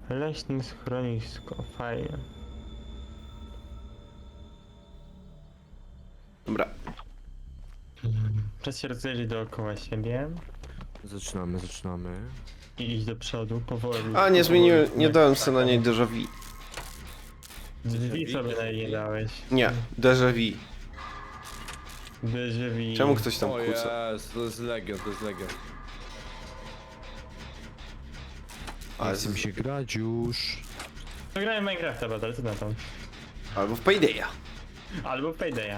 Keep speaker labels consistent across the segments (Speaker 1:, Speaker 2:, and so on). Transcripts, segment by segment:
Speaker 1: Leśne schronisko, fajnie.
Speaker 2: Dobra.
Speaker 1: Czas się rozejrzeć dookoła siebie
Speaker 3: Zaczynamy.
Speaker 1: i iść do przodu powoli.
Speaker 2: A, nie zmieniłem, nie dałem sobie na niej déjà vu.
Speaker 1: Drzwi sobie na jej nie dałeś.
Speaker 2: Nie, déjà vu.
Speaker 1: Drzwi.
Speaker 2: Czemu ktoś tam
Speaker 3: O
Speaker 2: kłóca?
Speaker 3: jest, to jest Legion, to jest Legion.
Speaker 2: Ale
Speaker 3: Chce mi się grać już.
Speaker 1: Grałem w Minecrafta, Badal, co na to?
Speaker 2: Albo w Paydaya.
Speaker 1: Albo w Paydaya.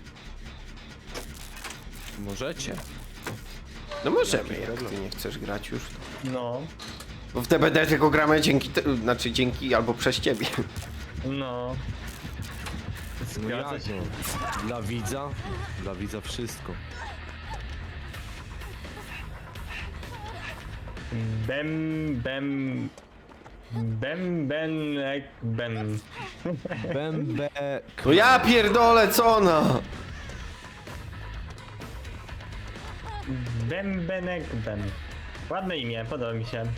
Speaker 3: Możecie.
Speaker 2: No możemy, jak ty nie chcesz grać już.
Speaker 1: No,
Speaker 2: Bo w DBD tylko gramy dzięki, znaczy dzięki albo przez ciebie.
Speaker 1: no.
Speaker 3: No
Speaker 1: Zgadza
Speaker 3: jak
Speaker 1: się.
Speaker 3: no? Dla widza wszystko.
Speaker 1: Bem.
Speaker 3: Bębę...
Speaker 2: No ja pierdolę, co ona?
Speaker 1: Bem. Ładne imię, podoba mi się.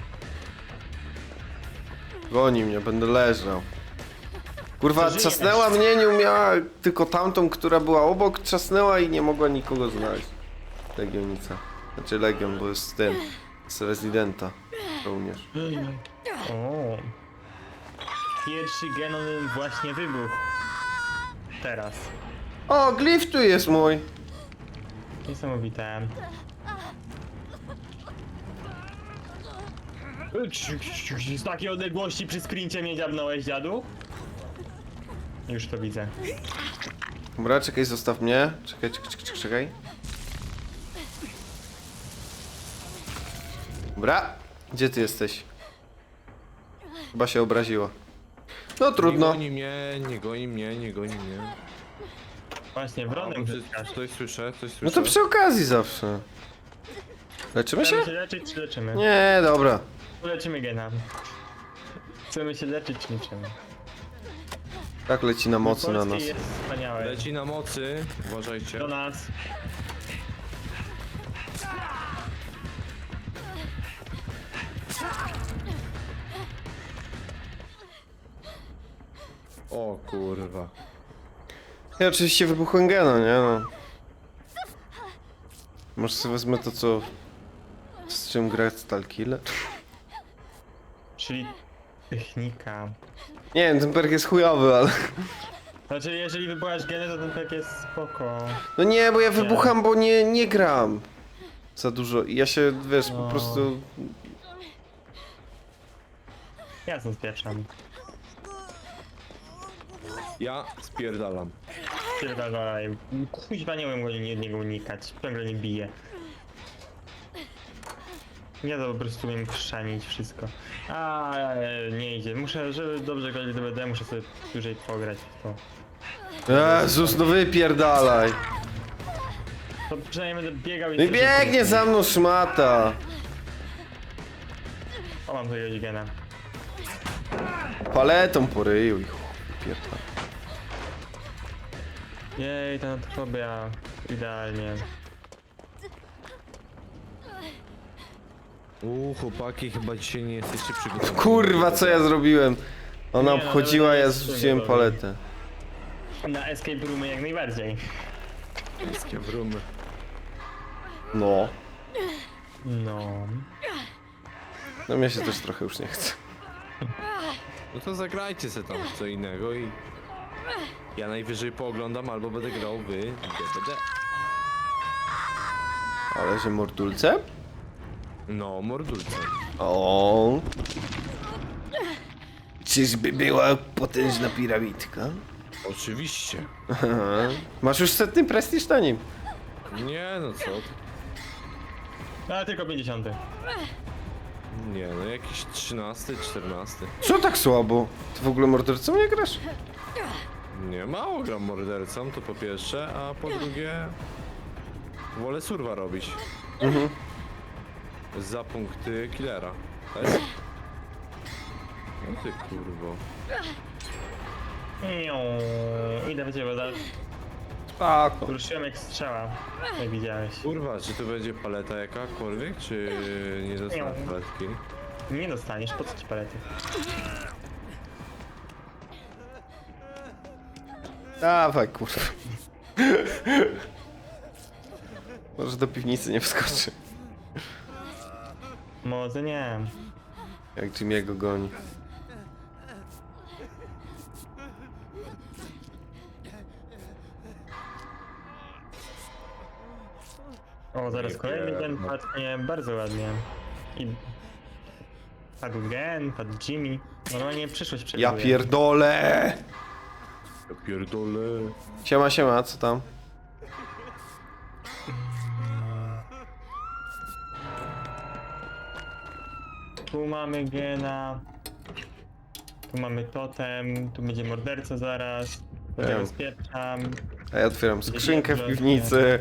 Speaker 2: Goni mnie, będę leżał. Kurwa,
Speaker 1: Przeżyjesz.
Speaker 2: trzasnęła mnie, nie umiała, tylko tamtą, która była obok, trzasnęła i nie mogła nikogo znaleźć. Legionica. Znaczy Legion, bo jest z tym, z Residenta. Również.
Speaker 1: O. Pierwszy genon właśnie wybuchł. Teraz.
Speaker 2: O, glif tu jest mój!
Speaker 1: Niesamowite. Z takiej odległości przy sprincie mnie dziabnąłeś, dziadu? Już to widzę.
Speaker 2: Dobra, czekaj, zostaw mnie. Czekaj. Dobra, gdzie ty jesteś? Chyba się obraziła. No trudno.
Speaker 3: Nie goni mnie.
Speaker 1: Właśnie, wronem
Speaker 3: Coś słyszę.
Speaker 2: No to przy okazji zawsze. Leczymy się?
Speaker 1: Chcemy się leczyć, czy leczymy?
Speaker 2: Nie, dobra.
Speaker 1: Leczymy gena. Chcemy się leczyć, czy leczymy?
Speaker 2: Tak leci na mocy na
Speaker 1: Polski
Speaker 2: nas.
Speaker 1: jest wspaniałe.
Speaker 3: Leci na mocy, uważajcie.
Speaker 1: Do nas.
Speaker 3: O kurwa.
Speaker 2: Ja oczywiście wybuchłem gena, nie no. Może sobie wezmę to co... Z czym gra Stalkiller?
Speaker 1: Czyli technika.
Speaker 2: Nie wiem, ten perk jest chujowy, ale...
Speaker 1: Znaczy, jeżeli wybuchasz genę, to ten pek jest spoko.
Speaker 2: No nie, bo ja wybucham, bo nie gram. Za dużo i ja się, wiesz, po
Speaker 1: No.
Speaker 2: prostu...
Speaker 1: Ja stąd spieprzam.
Speaker 3: Ja spierdalam.
Speaker 1: Pierdolaj. Kuźwa, nie umiem go niego unikać. Ciągle nie bije. Ja to po prostu umiem chrzanić wszystko. A nie idzie. Muszę, żeby dobrze grać w DBD, muszę sobie dłużej pograć w to.
Speaker 2: Jezus, no wypierdalaj.
Speaker 1: To przynajmniej będę biegał i...
Speaker 2: No i biegnie za mną szmata.
Speaker 1: O, mam tu jakiegoś gena.
Speaker 2: Paletą po ryju i chuj, pierdolę.
Speaker 1: Jej, ta fobia. Idealnie.
Speaker 3: Chłopaki, chyba dzisiaj nie jesteście przygotowani.
Speaker 2: Kurwa, co ja zrobiłem? Ona
Speaker 1: Nie, no,
Speaker 2: obchodziła,
Speaker 1: ale
Speaker 2: ja
Speaker 1: jest
Speaker 2: zrzuciłem
Speaker 1: gotowy.
Speaker 2: paletę.
Speaker 1: Na escape roomy jak najbardziej.
Speaker 3: Wszystkie wrumy.
Speaker 2: No.
Speaker 1: No.
Speaker 2: No mnie się też trochę już nie chce.
Speaker 3: No to zagrajcie se tam w co innego i... Ja najwyżej pooglądam albo będę grał w DBD.
Speaker 2: Ale że mordulce?
Speaker 3: No, mordulce.
Speaker 2: O. Czyżby była potężna piramidka?
Speaker 3: Oczywiście.
Speaker 2: Masz już setny prestiż na nim.
Speaker 3: Nie no co ty.
Speaker 1: Ale tylko 50.
Speaker 3: Nie no, jakiś 13, 14.
Speaker 2: Co tak słabo? Ty w ogóle mordercą nie grasz?
Speaker 3: Nie, mało gram mordercą, to po pierwsze, a po drugie... Wolę surwa robić. Za punkty killera. Tak? No ty kurwo.
Speaker 1: Idę w ciebie, zaraz.
Speaker 2: Spoko.
Speaker 1: Ruszyłem jak strzała, jak widziałeś.
Speaker 3: Kurwa, czy to będzie paleta jakakolwiek, czy nie dostanę paletki?
Speaker 1: Nie dostaniesz, po co ci palety?
Speaker 2: Dawaj, kurwa. Może do piwnicy nie wskoczy.
Speaker 1: Może nie.
Speaker 2: Jak Jimmy'ego goni.
Speaker 1: O, zaraz kolejny gen padnie, bardzo ładnie. I... Padł gen, padł Jimmy. Normalnie przyszłość
Speaker 2: Ja
Speaker 1: przewiduje.
Speaker 2: pierdolę!
Speaker 3: Ja pierdolę.
Speaker 2: Siema, siema, co tam?
Speaker 1: Tu mamy gena. Tu mamy totem, tu będzie morderca zaraz. To
Speaker 2: Wiem.
Speaker 1: ja rozpieprzam.
Speaker 2: A ja otwieram skrzynkę w piwnicy,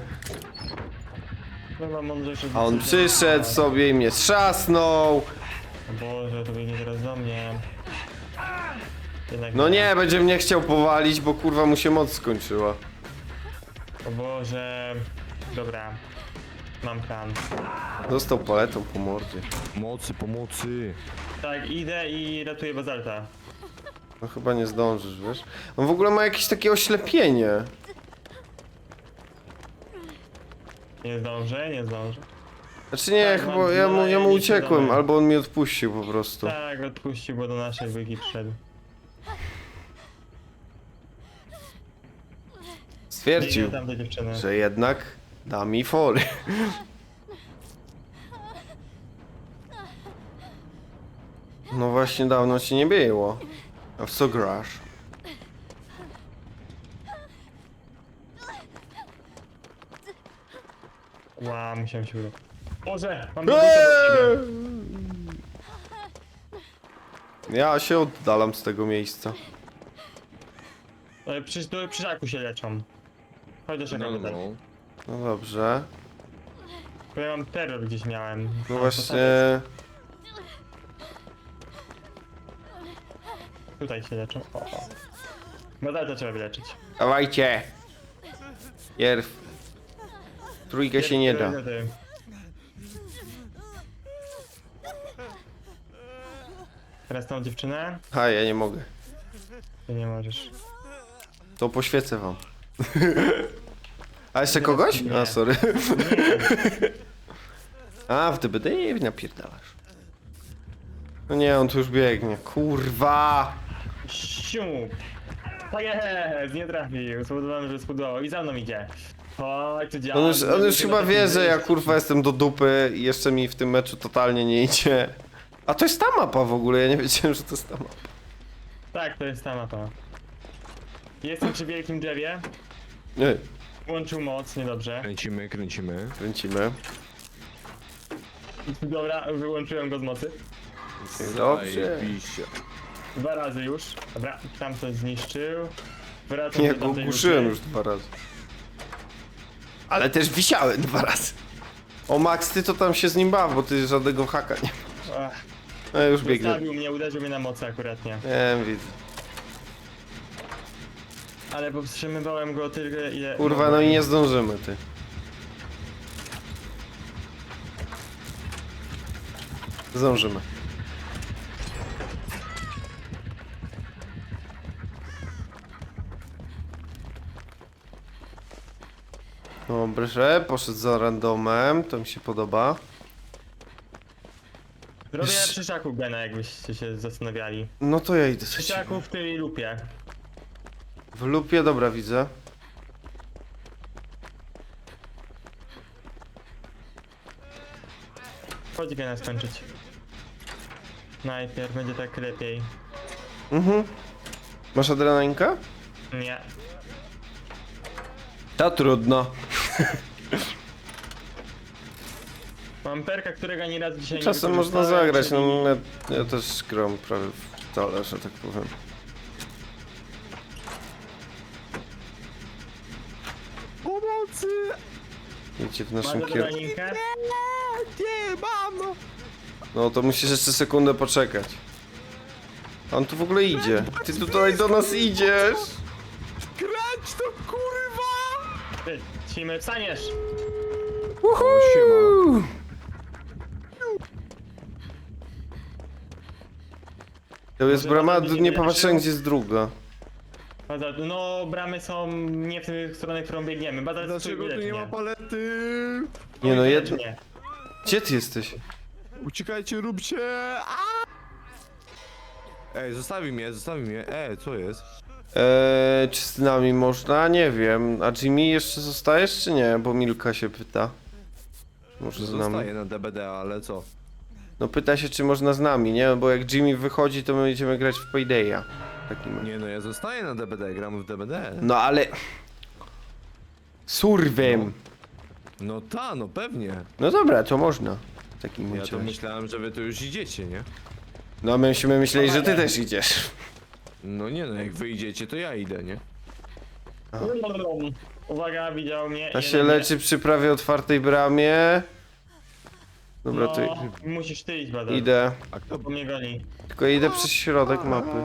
Speaker 1: Chyba mądrzejszy
Speaker 2: a on przyszedł sobie i mnie trzasnął.
Speaker 1: O Boże, to biegnie teraz do mnie. Jednak
Speaker 2: No nie, będzie mnie chciał powalić, bo kurwa mu się moc skończyła.
Speaker 1: O Boże. Dobra. Mam plan.
Speaker 2: Dostał paletą po mordzie.
Speaker 3: Pomocy.
Speaker 1: Tak, idę i ratuję bazalta.
Speaker 2: No chyba nie zdążysz, wiesz? On w ogóle ma jakieś takie oślepienie.
Speaker 1: Nie zdążę, nie zdążę.
Speaker 2: Znaczy nie,
Speaker 1: Tak,
Speaker 2: chyba
Speaker 1: mam
Speaker 2: ja mu
Speaker 1: nic
Speaker 2: uciekłem,
Speaker 1: wiadomo.
Speaker 2: albo on mi odpuścił po prostu.
Speaker 1: Tak, odpuścił, bo do naszej wygi wszedł.
Speaker 2: Stwierdził,
Speaker 1: Biegnę tam do dziewczyny.
Speaker 2: że jednak da mi fory. No właśnie dawno cię nie było. A w co grasz?
Speaker 1: Ła, musiałem się udać. Boże, mam do ciebie.
Speaker 2: Ja się oddalam z tego miejsca.
Speaker 1: Przecież do przyszaku się leczą. Chodź do szaka,
Speaker 3: No,
Speaker 1: no,
Speaker 3: no.
Speaker 2: No dobrze.
Speaker 1: Bo ja mam terror gdzieś miałem.
Speaker 2: No
Speaker 1: A,
Speaker 2: właśnie...
Speaker 1: Tutaj się leczą. O. Bazalta trzeba wyleczyć.
Speaker 2: Dawajcie! Jerw. Trójkę się nie da.
Speaker 1: Teraz tą dziewczynę?
Speaker 2: Ha, ja nie mogę.
Speaker 1: Ty nie możesz.
Speaker 2: To poświecę wam. A jeszcze kogoś?
Speaker 1: Nie.
Speaker 2: A, sorry. A, w DBD napierdalasz. No nie, on tu już biegnie. Kurwa!
Speaker 1: Siu! Tak jest, nie trafił. Spowodowałem, że spudłało. I za mną idzie. Chodź, tu działa.
Speaker 2: On już chyba wie, że ja kurwa jestem do dupy i jeszcze mi w tym meczu totalnie nie idzie. A to jest ta mapa w ogóle, ja nie wiedziałem, że to jest ta mapa.
Speaker 1: Tak, to jest ta mapa. Jestem przy wielkim drzewie.
Speaker 2: Nie,
Speaker 1: Łączył moc, niedobrze.
Speaker 3: Kręcimy.
Speaker 2: kręcimy.
Speaker 1: Dobra, wyłączyłem go z mocy.
Speaker 2: Dobrze.
Speaker 3: Zajebiście.
Speaker 1: 2 razy już. Dobra, tam coś zniszczył. Wracam
Speaker 2: Ja
Speaker 1: do
Speaker 2: go
Speaker 1: tamtej
Speaker 2: ogłuszyłem
Speaker 1: grupy.
Speaker 2: już 2 razy. Ale też wisiałem 2 razy. O Max, ty to tam się z nim baw, bo ty żadnego haka nie.
Speaker 1: Ach,
Speaker 2: No już biegnę.
Speaker 1: zostawił mnie, uderzył mnie na mocy akuratnie.
Speaker 2: Nie widzę.
Speaker 1: Ale powstrzymywałem go tyle, ile...
Speaker 2: Kurwa, no i nie zdążymy, ty. Zdążymy. Dobrze, poszedł za randomem, to mi się podoba.
Speaker 1: Robię
Speaker 2: Wiesz-
Speaker 1: przy szaku gena, jakbyście się zastanawiali.
Speaker 2: No to ja idę
Speaker 1: Przy
Speaker 2: za ciebie.
Speaker 1: szaku w tej lupie.
Speaker 2: W lupie, dobra, widzę.
Speaker 1: Chodź gena skończyć. Najpierw będzie tak lepiej.
Speaker 2: Mhm. Masz adrenalinkę?
Speaker 1: Nie.
Speaker 2: Ta trudno.
Speaker 1: Mam perka, którego ani raz dzisiaj
Speaker 2: Czasem
Speaker 1: nie
Speaker 2: można
Speaker 1: wykorzystałem,
Speaker 2: zagrać,
Speaker 1: czyli-
Speaker 2: no ja też gram prawie w tole, że tak powiem.
Speaker 3: Pomocy!
Speaker 2: Idzie w
Speaker 1: Masz
Speaker 2: naszym kierunku.
Speaker 1: adrenalinkę?
Speaker 3: Nie, mam!
Speaker 2: No to musisz jeszcze sekundę poczekać. A on tu w ogóle idzie. Ty tutaj do nas idziesz!
Speaker 3: Kręć to, kurwa!
Speaker 1: Lecimy, wstaniesz!
Speaker 3: Siema.
Speaker 2: To jest
Speaker 1: Może
Speaker 2: brama,
Speaker 1: nawet
Speaker 2: nie
Speaker 1: nie
Speaker 2: popatrzyłem
Speaker 1: leczył?
Speaker 2: gdzie jest druga.
Speaker 1: Bazalt, no bramy są nie w tę stronę, którą biegniemy. Bazalt,
Speaker 3: Dlaczego tu nie ma palety?
Speaker 2: Nie no,
Speaker 1: jedno.
Speaker 2: Gdzie ty jesteś?
Speaker 3: Uciekajcie, róbcie! Ej, zostawi mnie, co jest?
Speaker 2: Czy z nami można? Nie wiem. A Jimmy jeszcze zostajesz czy nie? Bo Milka się pyta. Może z nami.
Speaker 3: Zostaję na DBD, ale co?
Speaker 2: No pyta się czy można z nami, nie? Bo jak Jimmy wychodzi to my będziemy grać w Paydaya. Takim.
Speaker 3: Nie no, ja zostaję na DBD, gram w DBD.
Speaker 2: No ale... Surwem!
Speaker 3: No ta, no pewnie.
Speaker 2: No dobra, to można. W takim
Speaker 3: Ja to
Speaker 2: razie.
Speaker 3: myślałem, że wy tu już idziecie, nie?
Speaker 2: No myśmy myśleli, że ty też idziesz.
Speaker 3: No nie no, jak wy idziecie, to ja idę, nie?
Speaker 1: Uwaga, widział mnie.
Speaker 2: Ta się
Speaker 1: jeden
Speaker 2: leczy przy prawie otwartej bramie. Dobra,
Speaker 1: No,
Speaker 2: to
Speaker 1: musisz ty iść, Bazalt.
Speaker 2: idę.
Speaker 3: A kto
Speaker 1: Bo mnie goni.
Speaker 2: Tylko idę przez środek mapy.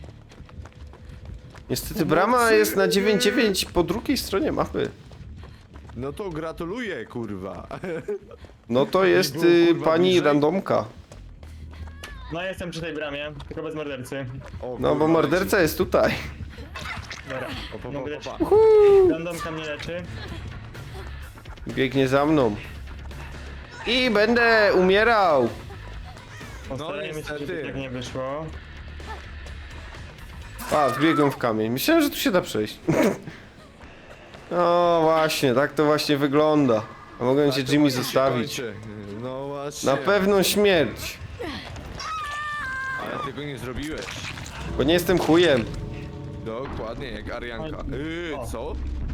Speaker 2: Niestety brama jest na 9-9 po drugiej stronie mapy.
Speaker 3: No to gratuluję, kurwa.
Speaker 2: No to jest
Speaker 3: było, kurwa,
Speaker 2: pani
Speaker 3: bliżej?
Speaker 2: randomka.
Speaker 1: No jestem przy tej bramie, tylko bez mordercy.
Speaker 3: O,
Speaker 2: No bo
Speaker 3: kurwa,
Speaker 2: morderca jest tutaj.
Speaker 1: Dobra.
Speaker 3: leci. O, pa,
Speaker 1: Mogę
Speaker 3: pa,
Speaker 1: lecieć.
Speaker 3: pa, pa.
Speaker 1: Randomka mnie leczy.
Speaker 2: Biegnie za mną. I będę umierał.
Speaker 1: Postarajmy się,
Speaker 3: niestety.
Speaker 1: żeby tak nie wyszło.
Speaker 2: A, wbiegłem w kamień. Myślałem, że tu się da przejść. No właśnie, tak to właśnie wygląda. A mogłem cię
Speaker 3: Tak to
Speaker 2: Jimmy
Speaker 3: właśnie się
Speaker 2: zostawić.
Speaker 3: kończy. No właśnie.
Speaker 2: Na pewną śmierć.
Speaker 3: Ale tego nie zrobiłeś.
Speaker 2: Bo nie jestem chujem.
Speaker 3: Dokładnie, jak Arianka.
Speaker 1: O.
Speaker 3: Co?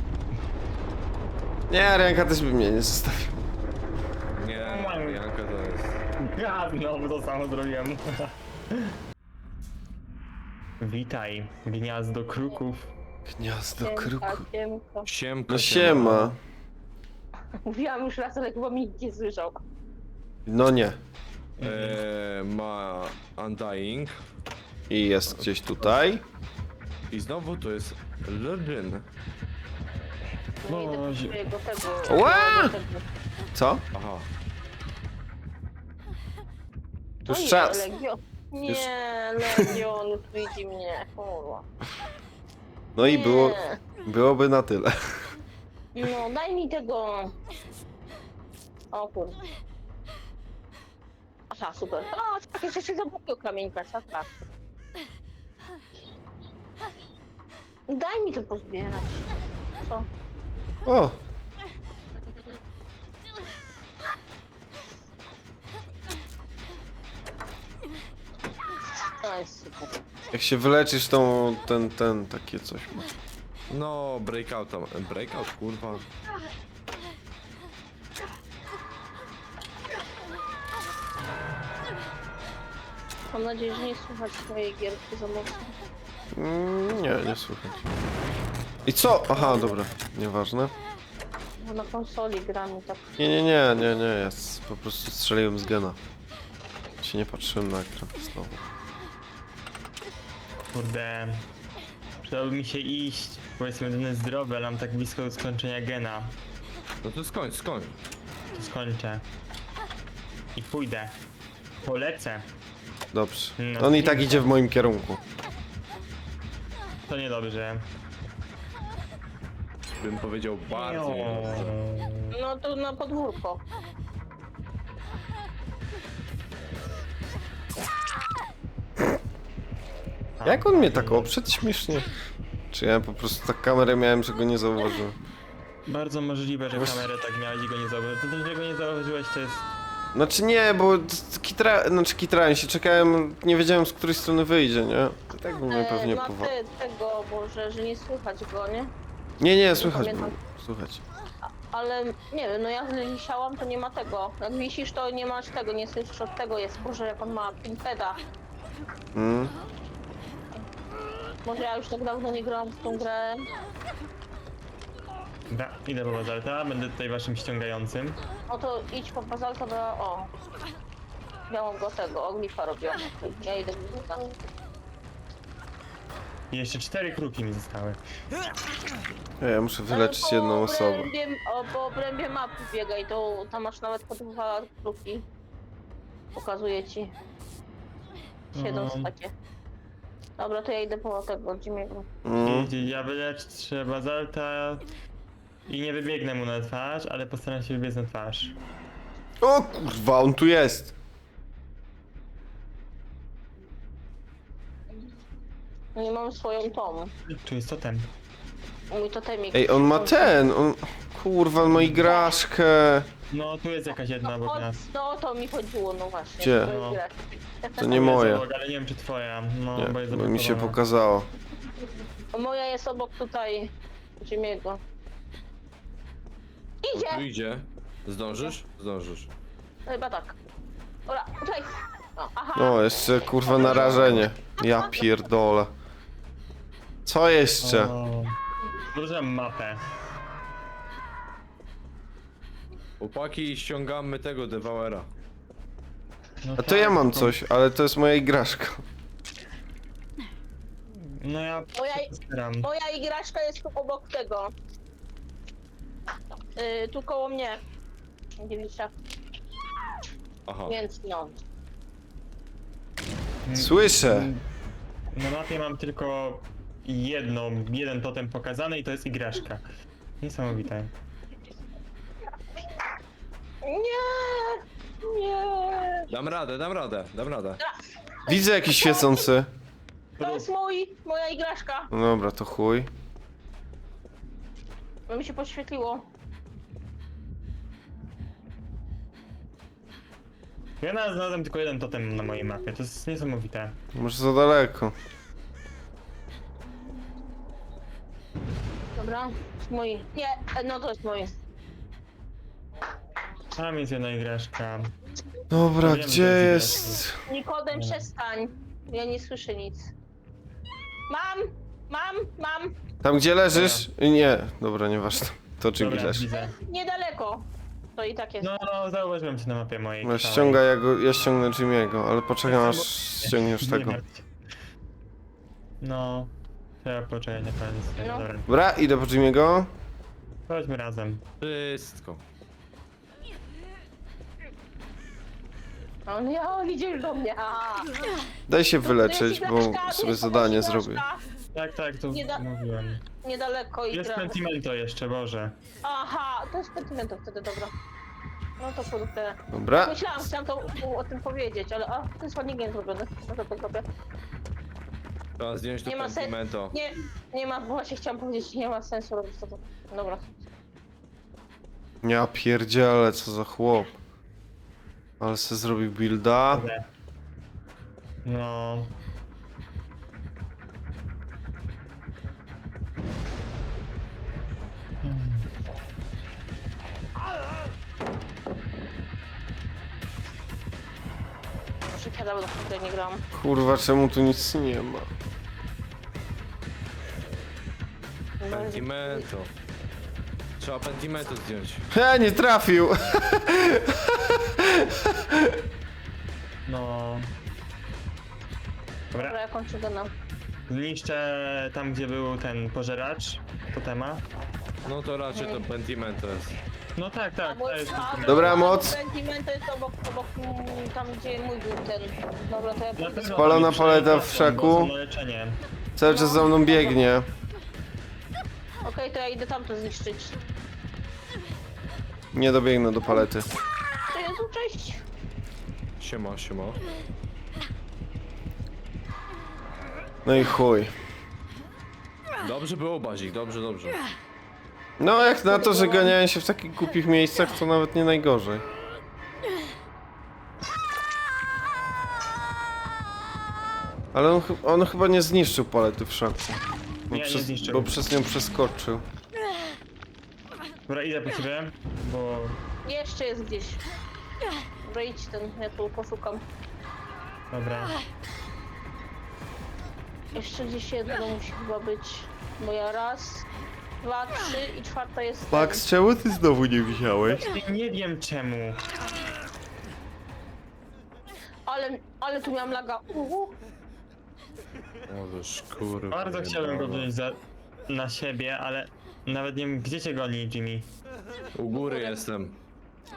Speaker 2: Nie, ręka też by mnie nie zostawił.
Speaker 3: Nie, Arianka to jest...
Speaker 1: Ja znowu to samo zrobiłem. Witaj, gniazdo kruków.
Speaker 2: Gniazdo kruku.
Speaker 4: Siemka.
Speaker 3: Siemka,
Speaker 2: No siema.
Speaker 4: Mówiłam już raz, ale chyba mi nikt nie słyszał.
Speaker 2: No nie.
Speaker 3: Ma Undying.
Speaker 2: I jest gdzieś tutaj.
Speaker 3: I znowu to jest Legend.
Speaker 4: Nie idę do
Speaker 1: Boże.
Speaker 4: swojego tego...
Speaker 2: Ła!
Speaker 4: do tego.
Speaker 2: Co?
Speaker 3: Aha.
Speaker 4: To
Speaker 2: Już
Speaker 4: nie,
Speaker 2: czas.
Speaker 4: Legion. Nie,
Speaker 2: Już-
Speaker 4: Legion, widzi mnie, kurwa.
Speaker 2: No i
Speaker 4: Nie.
Speaker 2: byłoby na tyle.
Speaker 4: No, daj mi tego... O kurwa. Aha, super. O, tak, jeszcze się zabukił kamienka, tak. Daj mi to pozbierać. Co?
Speaker 2: O,
Speaker 4: Aj, super.
Speaker 2: jak się wyleczysz, to takie coś ma.
Speaker 3: No, breakout tam. Breakout, kurwa.
Speaker 4: Mam nadzieję, że nie słychać swojej gierki za mocno.
Speaker 2: Nie słychać. I co? Aha, dobra, nieważne.
Speaker 4: Bo na konsoli gram i tak.
Speaker 2: Nie, ja po prostu strzeliłem z gena. Się nie patrzyłem na ekran znowu.
Speaker 1: Kurde. Przydałoby mi się iść. Powiedzmy, ten jest zdrowy, ale mam tak blisko do skończenia gena.
Speaker 3: No to skończ.
Speaker 1: To skończę. I pójdę. Polecę.
Speaker 2: Dobrze.
Speaker 1: No,
Speaker 2: On i tak
Speaker 1: pięknie.
Speaker 2: idzie w moim kierunku.
Speaker 1: To niedobrze.
Speaker 3: Bym powiedział bardzo niedobrze.
Speaker 4: No to na podwórko.
Speaker 2: Jak on mnie tak oprzedł śmiesznie? Czy ja po prostu tak kamerę miałem, że go nie zauważyłem?
Speaker 1: Bardzo możliwe, że kamerę tak miałeś i go nie zauważyłeś. To, że go nie zauważyłeś, to jest...
Speaker 2: Znaczy nie, bo kitrałem się, czekałem, nie wiedziałem z której strony wyjdzie, nie? I tak był mnie pewnie
Speaker 4: na
Speaker 2: powa...
Speaker 4: tego, Boże, że nie słychać go, nie?
Speaker 2: Nie, słychać
Speaker 4: pamiętam.
Speaker 2: było, słychać.
Speaker 4: Ale nie wiem, no ja wisiałam, to nie ma tego. Jak wisisz, to nie masz tego, nie słyszysz od tego jest. Boże, jak on ma pinpeda.
Speaker 2: Mm.
Speaker 4: Może ja już tak dawno nie grałam w tą grę.
Speaker 1: Da, idę po Bazalta, będę tutaj waszym ściągającym.
Speaker 4: No to idź po bazalta do... O. Miałam go tego, ognifa robiłam. Ja idę do buta.
Speaker 1: I jeszcze 4 kruki mi zostały.
Speaker 2: Ja muszę wyleczyć jedną osobę.
Speaker 4: Po obrębie mapy biegaj, to tam masz nawet po 2 kruki. Pokazuję ci. Siedząc
Speaker 1: Mhm.
Speaker 4: takie. Dobra, to ja idę po tego Jimmy'ego.
Speaker 1: Ja wyleczę bazalta i nie wybiegnę mu na twarz, ale postaram się wybiec na twarz.
Speaker 2: O kurwa, on tu jest.
Speaker 4: Nie mam swoją tą.
Speaker 1: Tu jest totem.
Speaker 4: Mój totemik.
Speaker 2: Ej, on ma ten, on... Kurwa, on ma igraszkę.
Speaker 1: No, tu jest jakaś jedna obok nas.
Speaker 4: No, o to mi chodziło, no właśnie.
Speaker 2: Gdzie?
Speaker 4: To jest
Speaker 1: No.
Speaker 4: gra.
Speaker 2: To nie moje.
Speaker 1: Obok, ale nie wiem czy twoja. No,
Speaker 2: Nie,
Speaker 1: bo jest
Speaker 2: bo mi się
Speaker 1: zablokowana.
Speaker 2: pokazało.
Speaker 4: Moja jest obok tutaj Jimmy'ego.
Speaker 3: Tu
Speaker 4: Idzie!
Speaker 3: idzie. Zdążysz? Zdążysz.
Speaker 4: Chyba tak. Dobra, tutaj. O, aha.
Speaker 2: No, jeszcze kurwa narażenie. Ja pierdolę. Co jeszcze?
Speaker 1: O, Włożyłem mapę.
Speaker 3: Chłopaki, ściągamy tego Devourera.
Speaker 1: No
Speaker 2: A to ja
Speaker 1: tak,
Speaker 2: mam
Speaker 1: tylko-
Speaker 2: coś, ale to jest moja igraszka.
Speaker 1: No ja wspieram.
Speaker 4: Moja igraszka jest tu obok tego. Tu koło mnie. Nie widzicie?
Speaker 3: Aha.
Speaker 4: Więc no.
Speaker 2: Słyszę.
Speaker 1: Na mapie mam tylko jeden totem pokazany i to jest igraszka. Niesamowite.
Speaker 4: Nie! Nie!
Speaker 3: Dam radę, dam radę, dam radę.
Speaker 2: Widzę jakiś świecący.
Speaker 4: To jest moja igraszka.
Speaker 2: No dobra, to chuj.
Speaker 4: Bo mi się podświetliło.
Speaker 1: Ja znalazłem tylko jeden totem na mojej mapie, to jest niesamowite.
Speaker 2: Może za daleko.
Speaker 4: Dobra, jest mój. Nie, no to jest mój.
Speaker 1: Tam jest jedna igraszka.
Speaker 2: Dobra,
Speaker 1: Wiem,
Speaker 2: gdzie
Speaker 1: że
Speaker 2: jest?
Speaker 4: Nikodem, przestań. Ja nie słyszę nic. Mam!
Speaker 2: Tam gdzie leżysz? Nie, dobra, nieważne. To Jimmy
Speaker 1: Dobra,
Speaker 2: leży.
Speaker 1: widzę.
Speaker 4: Niedaleko. To i tak jest.
Speaker 1: No, zauważyłem cię na mapie mojej.
Speaker 2: No
Speaker 1: całej.
Speaker 2: ściąga, ja ściągnę Jimmy'ego, ale poczekam aż ściągniesz
Speaker 1: Nie
Speaker 2: tego.
Speaker 1: martw się. No, trzeba poczekać na koniec.
Speaker 4: No.
Speaker 1: Dobra,
Speaker 2: Dobra, idę po Jimmy'ego.
Speaker 1: chodźmy razem.
Speaker 3: Wszystko.
Speaker 4: On idziesz do mnie.
Speaker 2: Daj się
Speaker 4: Tu
Speaker 2: wyleczyć,
Speaker 4: jest
Speaker 2: bo
Speaker 4: igraszka, tu
Speaker 2: sobie
Speaker 4: jest
Speaker 2: zadanie
Speaker 4: igraszka.
Speaker 2: zrobię.
Speaker 1: Tak, to
Speaker 4: Nie da-
Speaker 1: mówiłem.
Speaker 4: Niedaleko
Speaker 1: Jest
Speaker 4: igra.
Speaker 1: Pentimento jeszcze, Boże.
Speaker 4: Aha, to jest Pentimento wtedy, dobra. No to kurde.
Speaker 2: Dobra.
Speaker 4: Chciałam to o tym powiedzieć, ale to jest ładnie game zrobione. No to zrobię.
Speaker 3: Trzeba zdjąć to
Speaker 4: Nie ma sensu.
Speaker 3: pentimento.
Speaker 4: Nie ma, właśnie chciałam powiedzieć, nie ma sensu robić to. Dobra.
Speaker 2: Ja pierdzielę, co za chłop. Ale se zrobił builda.
Speaker 1: Dobra. No.
Speaker 4: Może kiedy dawno w grę nie gram.
Speaker 2: Kurwa, czemu tu nic nie ma?
Speaker 4: No,
Speaker 3: Pentimento. Trzeba pentimento zdjąć.
Speaker 2: Nie trafił!
Speaker 1: No.
Speaker 4: Dobra,
Speaker 1: Dobra,
Speaker 4: ja kończę gena.
Speaker 1: zniszczę tam, gdzie był ten pożeracz totema.
Speaker 3: No to raczej to pentimento jest.
Speaker 1: No tak, to jest
Speaker 2: Dobra, moc.
Speaker 4: Pentimento jest obok tam gdzie mój był ten. Dobra, to ja pójdę.
Speaker 2: Spalona paleta w szaku.
Speaker 1: Na leczenie.
Speaker 2: Cały czas za mną biegnie.
Speaker 4: Okej, to ja idę tam to zniszczyć.
Speaker 2: Nie dobiegnę do palety.
Speaker 4: To Jezu, cześć!
Speaker 3: Siema, siema.
Speaker 2: No i chuj.
Speaker 3: Dobrze było, Bazik, dobrze, dobrze.
Speaker 2: No jak na to, że ganiałem się w takich głupich miejscach, to nawet nie najgorzej. Ale on chyba nie zniszczył palety w szaku. Bo,
Speaker 1: Nie, nie zniszczył.
Speaker 2: bo przez nią przeskoczył.
Speaker 1: Dobra, idę po ciebie, bo...
Speaker 4: Jeszcze jest gdzieś. Dobra, idź ten, ja tu poszukam.
Speaker 1: Dobra.
Speaker 4: Jeszcze gdzieś jedno musi chyba być. Bo ja raz, dwa, trzy i czwarta jest.
Speaker 2: Max, czemu ty znowu nie wziąłeś?
Speaker 1: Nie wiem czemu.
Speaker 4: Ale tu miałam laga.
Speaker 3: Możesz, kurwa.
Speaker 1: Bardzo chciałbym go wziąć na siebie, ale nawet nie wiem, gdzie cię goni, Jimmy.
Speaker 3: U góry jestem.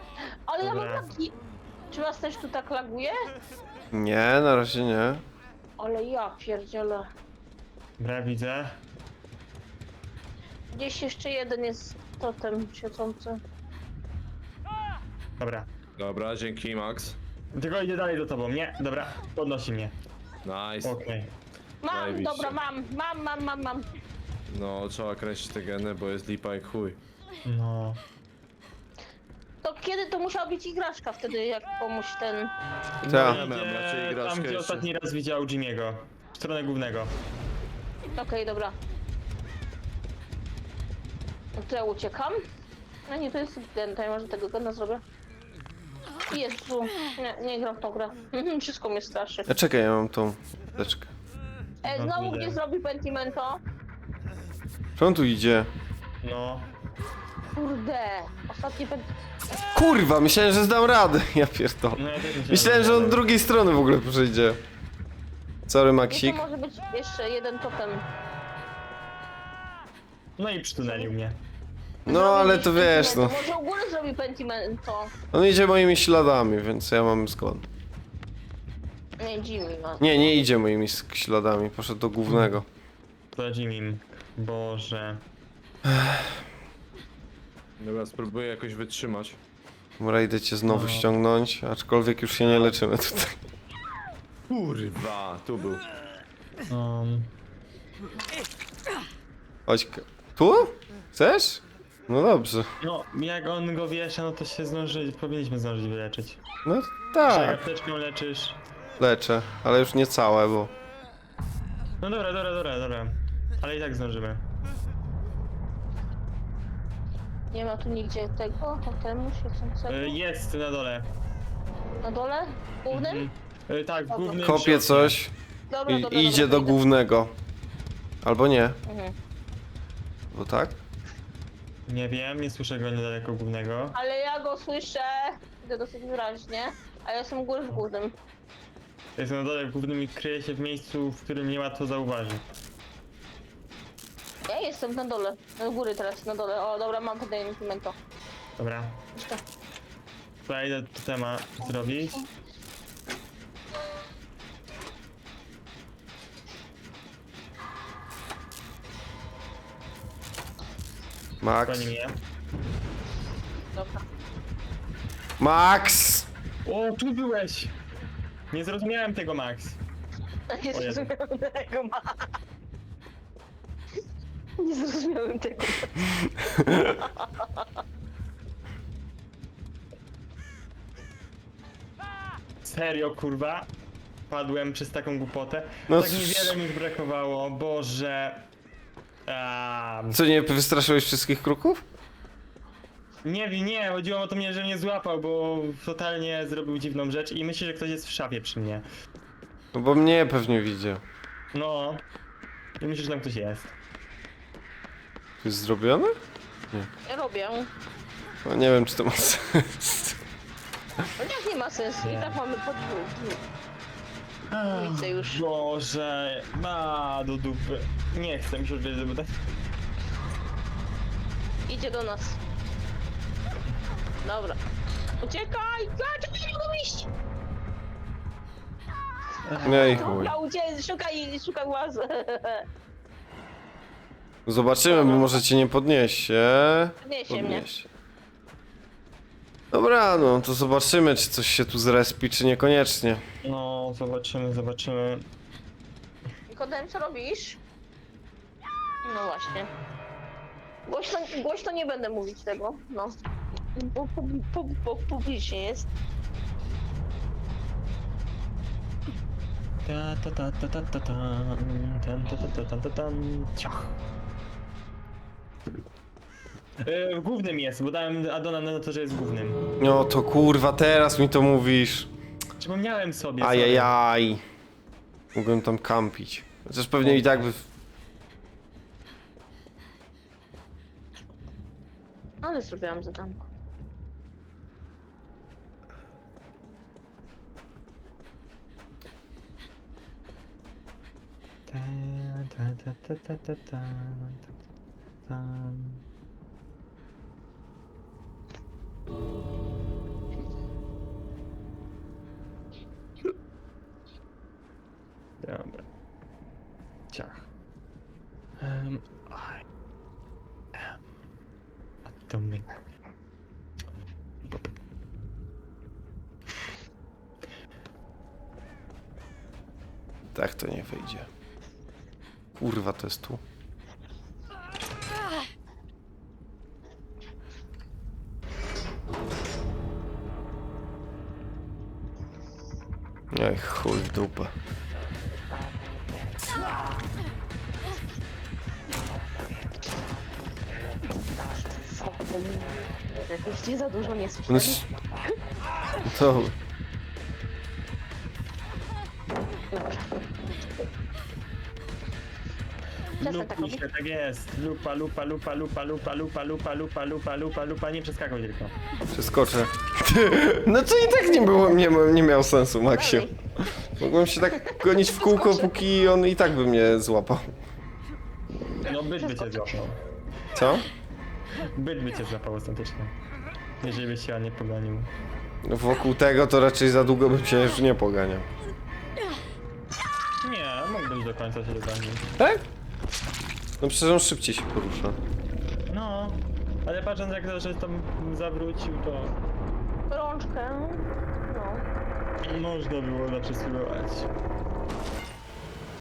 Speaker 4: Ale ja mam
Speaker 1: Dobra.
Speaker 4: lagi. Czy was też tu tak laguje?
Speaker 2: Nie, na razie nie.
Speaker 4: Ale ja pierdzielę.
Speaker 1: Dobra, widzę.
Speaker 4: Gdzieś jeszcze jeden jest totem siedzący.
Speaker 1: Dobra.
Speaker 3: Dobra, dzięki Max.
Speaker 1: Tylko idzie dalej do tobą, nie? Dobra, podnosi mnie.
Speaker 3: Nice.
Speaker 1: Okej.
Speaker 4: Mam,
Speaker 3: Zajebiście.
Speaker 4: dobra, mam.
Speaker 3: No, trzeba kręcić te geny, bo jest lipa jak chuj.
Speaker 1: No.
Speaker 4: To kiedy to musiała być igraszka wtedy, jak komuś ten...
Speaker 2: Tak.
Speaker 3: Ja miałem raczej
Speaker 1: Idzie
Speaker 3: igraszkę
Speaker 1: tam, gdzie
Speaker 3: jeszcze.
Speaker 1: ostatni raz widział Jimmy'ego. W stronę głównego.
Speaker 4: Okej, dobra. No to ja uciekam. No nie, to jest gen, to ja może tego gena zrobię. Jezu, nie gram w tą grę. Wszystko mnie straszy.
Speaker 2: A czekaj, ja mam tą teczkę.
Speaker 1: No,
Speaker 4: Znowu
Speaker 1: widzę.
Speaker 4: gdzie zrobi pentimento?
Speaker 2: Czy on tu idzie?
Speaker 1: No.
Speaker 4: Kurde, ostatni
Speaker 2: Kurwa, myślałem, że zdam radę. Ja pierdolę.
Speaker 1: No ja też
Speaker 2: Myślałem, że on od drugiej strony w ogóle przyjdzie. Sorry,
Speaker 4: to
Speaker 2: Maxik.
Speaker 4: może być jeszcze jeden totem.
Speaker 1: No i przytunelił mnie.
Speaker 2: No, ale to
Speaker 4: Zrobi
Speaker 2: wiesz, no.
Speaker 4: pentimento. Może u góry zrobi pentimento.
Speaker 2: On idzie moimi śladami, więc ja mam zgodę.
Speaker 4: Nie, Jimmy ma.
Speaker 2: Nie idzie moimi śladami, poszedł do głównego.
Speaker 1: To Jimmym. Boże.
Speaker 3: Dobra, spróbuję jakoś wytrzymać.
Speaker 2: Dobra, idę cię znowu
Speaker 1: No.
Speaker 2: ściągnąć, aczkolwiek już się nie leczymy tutaj.
Speaker 3: Kurwa, tu był.
Speaker 2: Chodź. Tu? Chcesz? No dobrze.
Speaker 1: No, jak on go wiesza, no to się zdąży, powinniśmy zdążyć wyleczyć.
Speaker 2: No
Speaker 1: Jak
Speaker 2: tak,
Speaker 1: apteczką leczysz.
Speaker 2: leczę, ale już nie całe, bo...
Speaker 1: No dobra. Ale i tak zdążymy.
Speaker 4: Nie ma tu nigdzie tego totemu siedzącego.
Speaker 1: Jest na dole.
Speaker 4: Na dole? Głównym?
Speaker 1: Tak, w
Speaker 4: Dobra.
Speaker 1: głównym
Speaker 2: Kopię
Speaker 1: środku.
Speaker 2: coś
Speaker 4: Dobra,
Speaker 2: i
Speaker 4: dobra,
Speaker 2: idzie
Speaker 4: dobra,
Speaker 2: do głównego. Albo nie,
Speaker 4: Mhm.
Speaker 2: bo tak?
Speaker 1: Nie wiem, nie słyszę go niedaleko głównego.
Speaker 4: Ale ja go słyszę, idę dosyć wyraźnie, a ja jestem u góry w głównym.
Speaker 1: Jest na dole głównym i kryje się w miejscu, w którym niełatwo zauważyć.
Speaker 4: Ja jestem na dole, na góry teraz, na dole. O, dobra, mam pentimento.
Speaker 1: Dobra.
Speaker 4: Jeszcze.
Speaker 1: To ja idę to temat zrobić.
Speaker 2: Max.
Speaker 1: Goni mnie.
Speaker 4: Dobra.
Speaker 2: Max!
Speaker 1: O, tu byłeś! Nie zrozumiałem tego, Max.
Speaker 4: Nie
Speaker 1: O Jezu.
Speaker 4: zrozumiałem tego, ma. Nie zrozumiałem tego.
Speaker 1: Serio, kurwa? Padłem przez taką głupotę.
Speaker 2: No
Speaker 1: Tak
Speaker 2: cóż.
Speaker 1: niewiele mi już brakowało, Boże.
Speaker 2: Co, nie wystraszyłeś wszystkich kruków?
Speaker 1: Nie, chodziło o to mnie, że mnie złapał, bo totalnie zrobił dziwną rzecz i myślę, że ktoś jest w szafie przy mnie.
Speaker 2: No bo mnie pewnie widzi.
Speaker 1: No. I myślę, że tam ktoś jest.
Speaker 2: To jest zrobione?
Speaker 4: Ja robię.
Speaker 2: No nie wiem, czy to ma sens.
Speaker 4: No jak nie ma sensu, i tak mamy podwójce już.
Speaker 1: Boże, do dupy. Nie chcę mi się odwiedzić, żeby tak...
Speaker 4: Idzie do nas. Dobra. Uciekaj! Dlaczego nie mogę iść?
Speaker 2: Nie i chuj.
Speaker 4: Dobra, szukaj łazy.
Speaker 2: Zobaczymy, bo możecie nie podniesie.
Speaker 4: Podniesie mnie.
Speaker 2: Dobra, no to zobaczymy, czy coś się tu zrespi, czy niekoniecznie.
Speaker 1: No, zobaczymy.
Speaker 4: Nikodem, co robisz? No właśnie. Głośno nie będę mówić tego, no. Bo publicznie jest.
Speaker 1: Ciach. W głównym jest, bo dałem Adona na to, że jest głównym.
Speaker 2: No to kurwa, teraz mi to mówisz.
Speaker 1: Przypomniałem sobie. sorry.
Speaker 2: Ajajaj. Mógłbym tam kampić. Chociaż pewnie i tak by...
Speaker 4: Ale zrobiłam zadanko.
Speaker 1: Dobra.
Speaker 2: Tak to nie wyjdzie. Kurwa, to jest tu. Ej, chuj w dupę.
Speaker 4: Jakoś ci za dużo nie
Speaker 2: No,
Speaker 4: słyszeli.
Speaker 2: to...
Speaker 4: Dobra. Przestań tak
Speaker 1: Lupi
Speaker 4: robić.
Speaker 1: się, tak jest. Lupa, lupa, lupa, lupa, lupa, lupa, lupa, lupa, lupa, lupa, lupa, nie przeskakuj tylko.
Speaker 2: Przeskoczę. No to i tak nie było, nie miał sensu, Maksiu.
Speaker 4: Dalej.
Speaker 2: Mogłem się tak gonić w kółko, póki on i tak by mnie złapał.
Speaker 1: No byt by cię złapał.
Speaker 2: Co?
Speaker 1: Byt by cię złapał ostatecznie. Jeżeli byś się nie pogonił.
Speaker 2: No wokół tego to raczej za długo bym się już nie poganiał.
Speaker 1: Nie, mógłbym do końca się dogonić.
Speaker 2: Tak? No przecież on szybciej się porusza.
Speaker 1: No, ale patrząc jak to, że tam zawrócił, to
Speaker 4: Rączkę. No.
Speaker 1: można było zaprzesuwać.